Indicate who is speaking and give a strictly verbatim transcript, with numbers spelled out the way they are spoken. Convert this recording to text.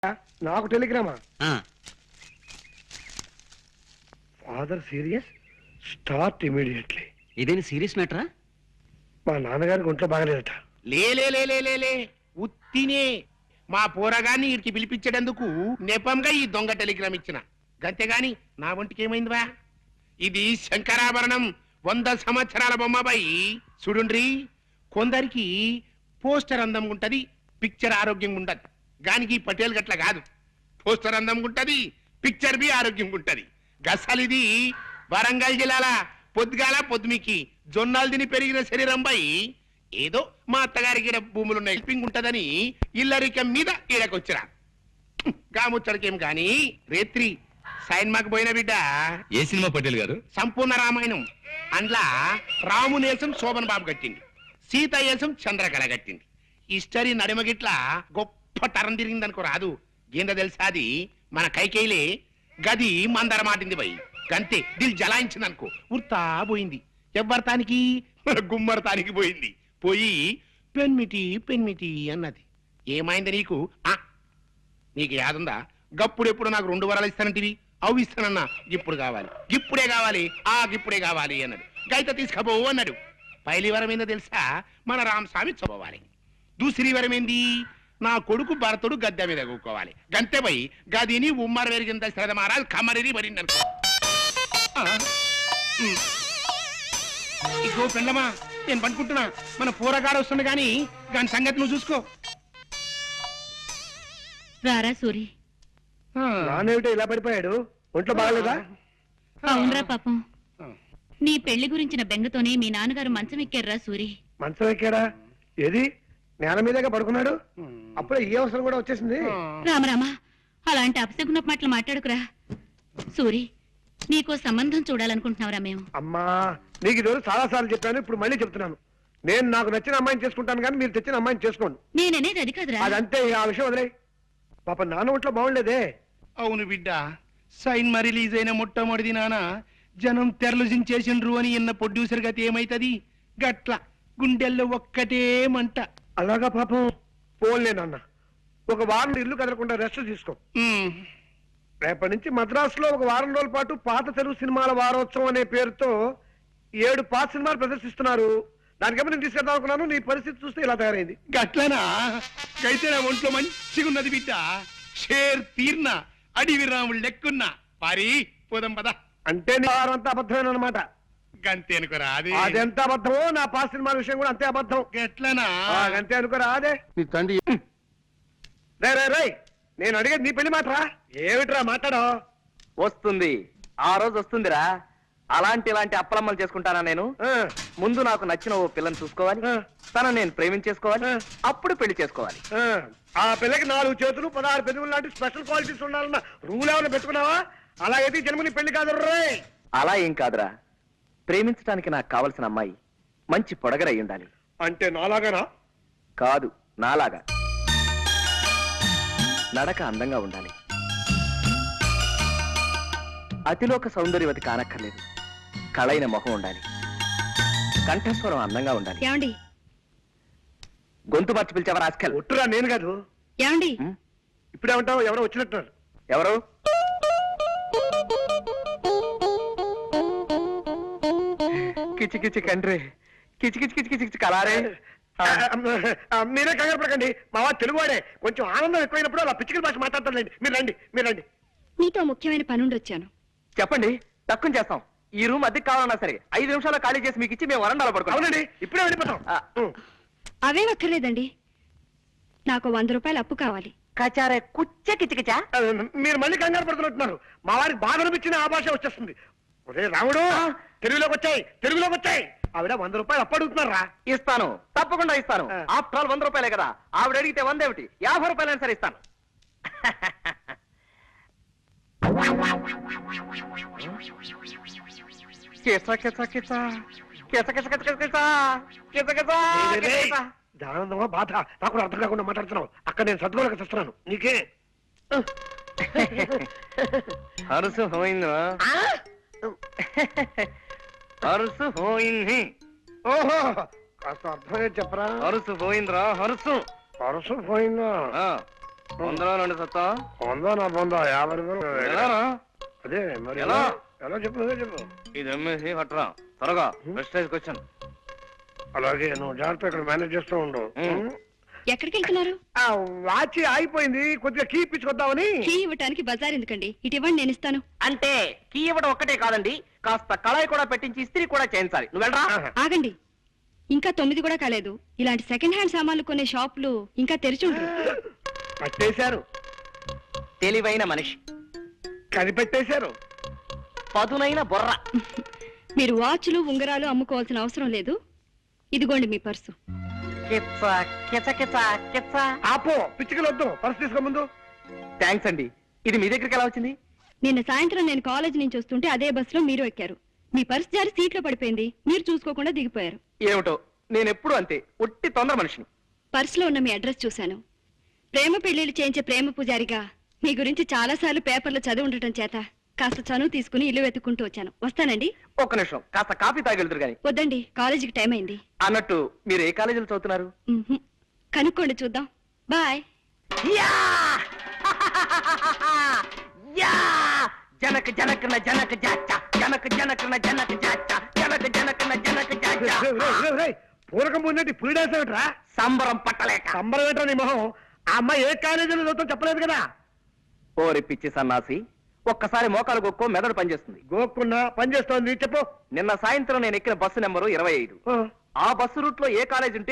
Speaker 1: నాకు టెలిగ్రామా? Father serious, start immediately.
Speaker 2: ఇదేని సీరియస్ మ్యాటరా?
Speaker 1: మా నాన్నగారికి ఒంట్లో బాగలేదట.
Speaker 3: లేలే ఉత్తినే మా పోరగాన్ని వీరికి పిలిపించేటందుకు నెపంగా ఈ దొంగ టెలిగ్రామ్ ఇచ్చిన గంతేగాని నా ఒంటికి ఏమైందివా? ఇది శంకరాభరణం, వంద సంవత్సరాల బొమ్మబాయి. చూడుండ్రి, కొందరికి పోస్టర్ అందం ఉంటది, పిక్చర్ ఆరోగ్యంగా ఉండదు. గానికి పటేల్ గట్ల కాదు, పోస్టర్ అందం ఉంటది, పిక్చర్ బి ఆరోగ్యంగా ఉంటది. గసలిది వరంగల్ జిల్లాల పొద్దుగాల పొద్దుమికి జొన్నాలు తిని పెరిగిన శరీరం పై ఏదో మా అత్తగారికి భూములున్న హెల్పింగ్ ఉంటదని ఇల్లరికం మీద ఈడకొచ్చిరా. గాముచ్చడికేం గాని రేత్రి సైన్మాకు పోయిన బిడ్డ.
Speaker 4: ఏ సినిమా పటేల్ గారు?
Speaker 3: సంపూర్ణ రామాయణం. అందులో రామునేసం శోభన్ బాబు కట్టింది, సీత ఏసం చంద్రకళ కట్టింది. హిస్టరీ నడిమగిట్ల గొప్ప తరం తిరిగిందనుకో రాదు. ఏందో తెలుసా, అది మన కైకేయిలే గది మందర మాటింది పోయి గంతే దిల్ జలాయించింది అనుకో, ఉర్తా పోయింది. ఎవ్వరతానికి మన గుమ్మరతానికి పోయింది. పోయి పెన్మిటి పెన్మిటి అన్నది. ఏమైంది నీకు? ఆ నీకు యాదుందా? గప్పుడెప్పుడు నాకు రెండు వరాలు ఇస్తానంటివి, అవి ఇస్తానన్నా. ఇప్పుడు కావాలి, ఇప్పుడే కావాలి, ఆ ఇప్పుడే కావాలి అన్నాడు. గైత తీసుకపోవు అన్నాడు. పైలి వరం ఏందో తెలుసా? మన రామస్వామి చదవాలి. దూసరి వరం ఏంది? నా కొడుకు భరతుడు గద్దె మీద కూకోవాలి. గంతే పోయి గదిని ఉమ్మర వెరిగింద శ్రద్ధ మహారాజ్ కమరిని మరింది అనుకో. ఇగో పెళ్ళమా, నేను పనుకుంటున్నా. మన పూరగాడు వస్తుంది గాని దాని సంగతి నువ్వు చూసుకో.
Speaker 5: రారా సూరి.
Speaker 1: నానేమిటో ఇలా పడిపోయాడు? ఒంట్లో బాగలేదా?
Speaker 5: అవునరా పాపం, నీ పెళ్లి గురించిన బెంగతోనే మీ నాన్నగారు మంచం ఎక్కారా సూరి.
Speaker 1: మంచం ఎక్కాడా? ఏది నేల మీదగా పడుకున్నాడు? అప్పుడే ఏ అవసరం కూడా వచ్చేసింది.
Speaker 5: రామరామా, అలాంటి అపశకున మాటలు మాట్లాడుకురా సూరి. నీకో సంబంధం చూడాలనుకుంటున్నావురా మేము.
Speaker 1: అమ్మా, నీకు ఈ రోజు చాలా సార్లు చెప్పాను, ఇప్పుడు మళ్ళీ చెప్తున్నాను. నేను నాకు నచ్చిన అమ్మాయిని చేసుకుంటాను కానీ మీరు తెచ్చిన అమ్మాయిని చేసుకోండి.
Speaker 5: నేననేది అది కాదురా.
Speaker 1: అదంతే, ఆ విషయం వదిలే. పాప నాన్న ఒంట్లో బాగుండేదే.
Speaker 3: అవును బిడ్డ, సైన్ మా రిలీజ్ అయిన మొట్టమొదటి నాన్న జనం తెరలు జించేసిండ్రు అని ఇన్న ప్రొడ్యూసర్ గతి ఏమైతది? గట్ల గుండెల్లో ఒక్కటే మంట.
Speaker 1: అలాగా పాపం. పోన్లే నాన్న, ఒక వారం ఇల్లు కదలకుండా రెస్ట్ తీసుకో. రేపటి నుంచి మద్రాసులో ఒక వారం రోజుల పాటు పాత తెలుగు సినిమాల వారోత్సవం అనే పేరుతో ఏడు పాత సినిమాలు ప్రదర్శిస్తున్నారు. దానికేమో నేను తీసుకెళ్దాం అనుకున్నాను, నీ పరిస్థితి చూస్తే ఇలా తయారైంది.
Speaker 3: గట్లనా? అయితే నా ఒంట్లో మంచిగా ఉన్నది బిడ్డ. షేర్ తీర్న అడివి రాముడు లెక్కున్నా పారి పోదాం పద.
Speaker 1: అంటే నీ వారం అంతా అబద్ధమేనమాట.
Speaker 3: గంతే అనుకోరా? అది
Speaker 1: అదెంత అబద్ధమో నా పాత సినిమాల విషయం కూడా అంతే అబద్ధం.
Speaker 3: గట్లనా?
Speaker 1: అంతే అనుకోరా? అదే
Speaker 3: నీ తండ్రి.
Speaker 1: రే రే రే, నేను అడిగేది నీ పెళ్లి మాటరా. ఏమిట్రా మాట్లాడో?
Speaker 2: వస్తుంది, ఆ రోజు వస్తుందిరా. అలాంటి ఇలాంటి అప్పలమ్మలు చేసుకుంటానా నేను? ముందు నాకు నచ్చిన ఓ పిల్లని చూసుకోవాలి, తనను నేను ప్రేమించేసుకోవాలి, అప్పుడు పెళ్లి చేసుకోవాలి.
Speaker 1: ఆ పిల్లకి నాలుగు చేతులు పదహారు పెదవులు లాంటి స్పెషల్ క్వాలిటీస్ ఉండాలన్న రూల్ ఏమైనా పెట్టుకున్నావా? అలా అయితే జన్మని పెళ్లి కాదు రే.
Speaker 2: అలా ఏం కాదురా, ప్రేమించడానికి నాకు కావలసిన అమ్మాయి మంచి పొడగరై ఉండాలి.
Speaker 1: అంటే నాలాగానా?
Speaker 2: కాదు, నాలాగా. నడక అందంగా ఉండాలి, అతిలోక సౌందర్యవతి కానక్కర్లేదు, కళైన మొహం ఉండాలి, కంఠస్వరం అందంగా ఉండాలి.
Speaker 5: ఏమండి?
Speaker 2: గొంతు మార్చి పిలిచావా రాస్కల్?
Speaker 1: ఒట్టురా, నేను కాదు.
Speaker 5: ఏమండి?
Speaker 1: ఇప్పుడేమంటావు? ఎవరో వచ్చినట్టున్నారు.
Speaker 2: ఎవరు? కిచి కిచి కండ్రి, కిచి కిచి కిచి కిచి కిచి కలారే.
Speaker 1: మీరే కంగారు పడకండి, మా వాడు తెలుగువాడే. కొంచెం ఆనందం ఎక్కువైనప్పుడు అలా పిచ్చికల భాష మాట్లాడతారులేండి. మీరు రండి, మీరు రండి.
Speaker 5: నీతో ముఖ్యమైన పనుండి వచ్చాను.
Speaker 2: చెప్పండి, తక్కువ చేస్తాం. ఈ రూమ్ అద్దెకి కావాలన్నా సరే ఐదు నిమిషాలు ఖాళీ చేసి మీకు ఇచ్చి మేము వరండాలో పడుకోండి.
Speaker 1: అవునండి, ఇప్పుడే వెళ్ళిపోతాం.
Speaker 5: అవే అక్కర్లేదండి, నాకు వంద రూపాయలు అప్పు కావాలి.
Speaker 2: కచారే కుచ్చ కిచకిచా.
Speaker 1: మీరు మళ్ళీ కంగారు పడుతున్నట్టున్నారు. మా వారికి బాధ అనిపించిన ఆ భాష వచ్చేస్తుంది. ఒరే రాముడు, తెలుగులోకి వచ్చాయి, తెలుగులోకి వచ్చాయి. ఆవిడ వంద రూపాయలు అప్పు అడుగుతున్నారా?
Speaker 2: ఇస్తాను, తప్పకుండా ఇస్తాను. ఆఫ్టర్ ఆల్ వంద రూపాయలే కదా. ఆవిడ అడిగితే వంద ఏమిటి, యాభై రూపాయలైనా సరే ఇస్తాను.
Speaker 1: ఆనందమా బాధ నాకు అర్థం కాకుండా మాట్లాడుతున్నావు. అక్కడ నేను సర్దుకోలేక చేస్తున్నాను. నీకే
Speaker 2: హరుసు పోయిందా? హరుసు పోయింది.
Speaker 1: ఓహో, కాస్త అర్థమే చెప్పరా?
Speaker 2: హరుసు పోయిందిరా. హరుసు
Speaker 1: హరుసు పోయిందా?
Speaker 2: వందలో రెండు సత్తం
Speaker 1: పొందా నా పొందా యాభై రూపాయలు
Speaker 2: ఎలారా?
Speaker 1: అదే మరి
Speaker 2: ఎలా?
Speaker 1: ఎలా ఎలా చెప్పు అదే చెప్పు
Speaker 2: ఇది అమ్మేసి పట్టరా త్వరగా ప్రెస్టేజ్కి వచ్చాను.
Speaker 1: అలాగే నువ్వు జాగ్రత్త ఇక్కడ మేనేజ్ చేస్తూ ఉండు
Speaker 2: ఉం.
Speaker 5: ఎక్కడికి వెళ్తున్నారు?
Speaker 1: ఆ వాచ్ ఆగిపోయింది, కొద్దిగా కీ ఇప్పించుకొద్దామని.
Speaker 5: కీ ఇవ్వటానికి బజార్ ఎందుకండి, ఇటు ఇవ్వండి, నేను ఇస్తాను.
Speaker 2: అంటే కీ ఇవ్వడం ఒక్కటే కాదండి, కాస్త కళాయి కూడా పెట్టించి ఇస్త్రీ కూడా చేయించాలి. నువ్వు వెళ్ళరా.
Speaker 1: ఆహా.
Speaker 5: ఆగండి, ఇంకా తొమ్మిది కూడా కాలేదు. ఇలాంటి సెకండ్ హ్యాండ్ సామాన్లు కొనే షాపులు ఇంకా తెరిచి ఉండరు.
Speaker 1: పట్టేశారు,
Speaker 2: తెలివైన మనిషి,
Speaker 1: కనిపెట్టేశారు.
Speaker 2: పదునైన బొర్ర.
Speaker 5: మీరు వాచ్లు ఉంగరాలు అమ్ముకోవాల్సిన అవసరం లేదు. ఇదిగోండి మీ పర్సు.
Speaker 2: కిచ్చ కిచ కిచ కిచ్చ.
Speaker 1: ఆపో, పిచ్చికలు వద్దు, పర్సు తీసుకో ముందు.
Speaker 2: థ్యాంక్స్ అండి. ఇది మీ దగ్గరికి ఎలా వచ్చింది?
Speaker 5: నిన్న సాయంత్రం నేను కాలేజ్ నుంచి వస్తుంటే అదే బస్సులో మీరు ఎక్కారు. మీ పర్సు జారి సీట్లో పడిపోయింది, మీరు చూసుకోకుండా దిగిపోయారు.
Speaker 2: ఏమిటో, నేను ఎప్పుడు అంతే, ఒట్టి తొందర మనిషిని.
Speaker 5: పర్సులో ఉన్న మీ అడ్రస్ చూశాను. ప్రేమ పెళ్లిళ్ళు చేయించే ప్రేమ పూజారిగా మీ గురించి చాలా సార్లు పేపర్లో చదివి ఉండటం చేత కాస్త చనువు తీసుకుని ఇల్లు వెతుక్కుంటూ వచ్చాను. వస్తానండి.
Speaker 2: ఒక్క నిమిషం, కాస్త కాఫీ తాగెళ్తురు గాని.
Speaker 5: వద్దండి, కాలేజీకి టైం అయింది.
Speaker 2: అన్నట్టు మీరు ఏ కాలేజీలో చదువుతున్నారు?
Speaker 5: మ్మ్హ్మ్. కనుక్కోండి, చూద్దాం. బాయ్.
Speaker 2: యా! యా! జనక జనకన జనక జాచ జనక జనకన జనక జాచ జనక జనకన జనక జాచ.
Speaker 1: రేయ్, రేయ్, రేయ్, రేయ్, పూరకం పోయినట్టు ఇప్పుడు డాన్సేమిట్రా?
Speaker 2: సంబరం పట్టలేక.
Speaker 1: సంబరం ఏంటో నీ మొహం. ఆ అమ్మాయి ఏ కాలేజీలో చదువుతాం చెప్పలేదు కదా.
Speaker 2: ఓరి పిచ్చి సన్నాసి, ఒక్కసారి మోకాలు గొక్కో మెదడు పనిచేస్తుంది.
Speaker 1: గోక్కున్నా పని చేస్తోంది, చెప్పు.
Speaker 2: నిన్న సాయంత్రం నేను ఎక్కిన బస్సు నెంబరు ఇరవై ఐదు.
Speaker 1: ఆ.
Speaker 2: ఆ బస్సు రూట్ లో ఏ కాలేజ్ ఉంటే